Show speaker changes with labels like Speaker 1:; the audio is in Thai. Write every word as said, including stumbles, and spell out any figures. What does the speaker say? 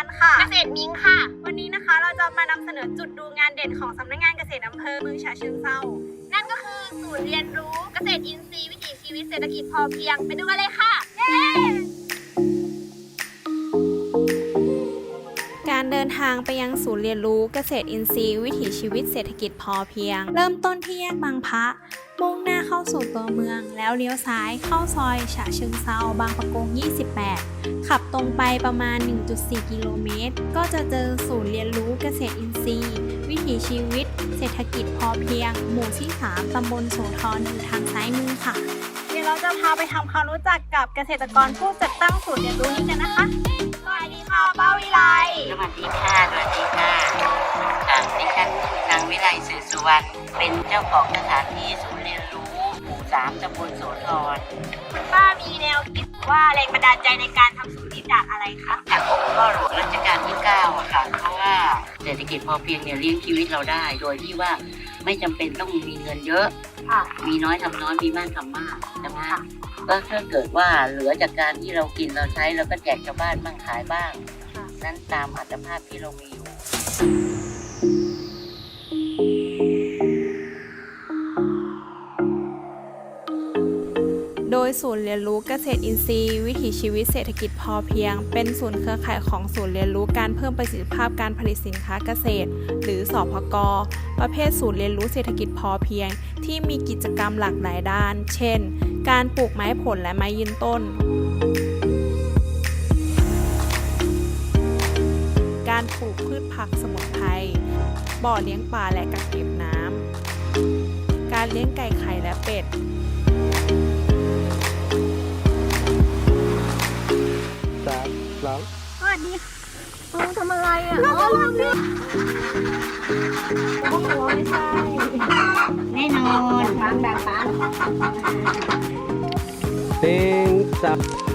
Speaker 1: รค่ะ
Speaker 2: เกษตรมิงค่ะ
Speaker 1: วันนี้นะคะเราจะมานำเสนอจุดดูงานเด่นของสำนักงานเกษตรอำเภอเมืองฉะเชิงเทรา
Speaker 2: นั่นก็คือศูนย์เรียนรู้เกษตรอินทรีย์วิถีชีวิตเศรษฐกิจพอเพียงไปดูกันเลยค่ะ เย้
Speaker 3: การเดินทางไปยังศูนย์เรียนรู้เกษตรอินทรีย์วิถีชีวิตเศรษฐกิจพอเพียง เริ่มต้นที่แยกบางพระมุ่งหน้าเข้าสู่ตัวเมืองแล้วเลี้ยวซ้ายเข้าซอยฉะเชิงเทราบางปะกง ยี่สิบแปด ขับตรงไปประมาณ หนึ่งจุดสี่ กิโลเมตร ก็จะเจอศูนย์เรียนรู้เกษตรอินทรีย์วิถีชีวิตเศรษฐกิจพอเพียง หมู่ที่ สาม ตำบลโสธรอยู่ทางซ้ายมือค่ะ
Speaker 1: เดี๋ยวเราจะพาไปทำความรู้จักกับเกษตรกรผู้จัดตั้งศูนย์เรียนรู้นี้กันนะคะสวัสดีค่ะป้าวิไล
Speaker 4: สวัสดีค่ะ สวัสดีค่ะอ่าดิฉันนางวิไลสื่อสุวรรณ เป็นเจ้าของสถานที่ศูนย์เรียนรู้หมู่สามตำบลโสธร
Speaker 1: คุณป้ามีแนวคิดว่าแรงบันดาลใจในการทำศูนย์นี้จากอะไรคะ
Speaker 4: จากองค์พ่อหลวงรัชกาลที่เก้าอะค่ะ เพราะว่าเศรษฐกิจพอเพียงเนี่ยเลี้ยงชีวิตเราได้ โดยที่ว่าไม่จำเป็นต้องมีเงินเยอะ
Speaker 1: ค่ะ
Speaker 4: มีน้อยทำน้อย มีมากทำมากใช่ไหมก็ถ้าเกิดว่าเหลือจากการที่เรากินเราใช้เราก็แจกชาวบ้านบ้างขายบ้าง นั้นตามอัตภาพที่เรามีอยู่
Speaker 3: โดยศูนย์เรียนรู้เกษตรอินทรีย์วิถีชีวิตเศรษฐกิจพอเพียง เป็นศูนย์เครือข่ายของศูนย์เรียนรู้การเพิ่มประสิทธิภาพการผลิตสินค้าเกษตร หรือสพก.ประเภทศูนย์เรียนรู้เศรษฐกิจพอเพียง ที่มีกิจกรรมหลากหลายด้าน เช่น การปลูกไม้ผลและไม้ยืนต้น การปลูกพืชผักสมุนไพร บ่อเลี้ยงปลาและกักเก็บน้ำ การเลี้ยงไก่ไข่และเป็ด
Speaker 5: สามสอง
Speaker 1: สวัสดีค่ะเออทำอะไรอ่ะเราจะลองดิโอ้โหไม่ใช่
Speaker 4: แน่นอน
Speaker 1: ฟังแบบฟัง
Speaker 5: หนึ่งสอง